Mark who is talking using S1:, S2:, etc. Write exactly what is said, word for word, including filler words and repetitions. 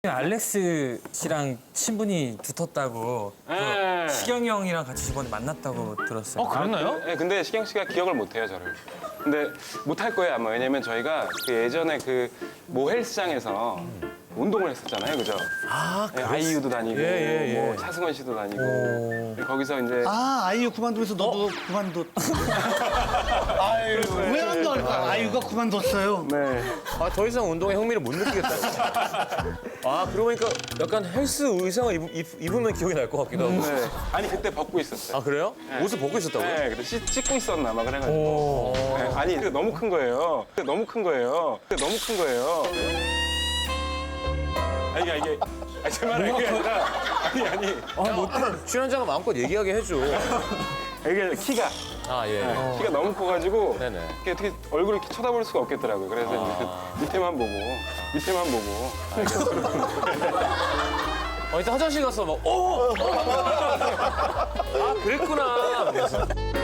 S1: 알렉스 씨랑 친분이 두텁다고
S2: 네.
S1: 그 시경이 형이랑 같이 저번에 만났다고 들었어요.
S3: 어, 그랬나요?
S2: 네, 근데 시경 씨가 기억을 못 해요, 저를. 근데 못 할 거예요, 아마. 왜냐면 저희가 그 예전에 그 모 헬스장에서 운동을 했었잖아요, 그죠?
S3: 아,
S2: 네, 아이유도 다니고,
S3: 예, 예, 예.
S2: 뭐 차승원 씨도 다니고.
S1: 오.
S2: 거기서 이제
S4: 아, 아이유 그만두면서 너도 그만뒀. 아유, 왜 안 넣을까? 아이유가 그만뒀어요.
S2: 네.
S3: 아, 더 이상 운동에 흥미를 못 느끼겠다. 아, 그러고 보니까 약간 헬스 의상을 입, 입, 입으면 기억이 날 것 같기도 하고.
S2: 네. 아니 그때 벗고 있었어요.
S3: 아, 그래요?
S2: 네.
S3: 옷을 벗고 있었다고요?
S2: 네, 그때 씻, 씻고 있었나 막 그래가지고. 네, 아니 그게 너무 큰 거예요. 그게 너무 큰 거예요. 그게 너무 큰 거예요. 아니 이게 이게 아니 제 말은 이게 아니라 아니 아니
S3: 아, 뭐, 출연자가 마음껏 얘기하게 해줘.
S2: 이게 키가
S3: 아, 예.
S2: 네, 키가 너무 커가지고
S3: 네네.
S2: 이게 어떻게 얼굴을 이렇게 쳐다볼 수가 없겠더라고요. 그래서
S3: 아.
S2: 이제 밑에만 보고 밑에만 보고.
S3: 어, 이따 화장실 가서 막, 어! 어! 아, 그랬구나.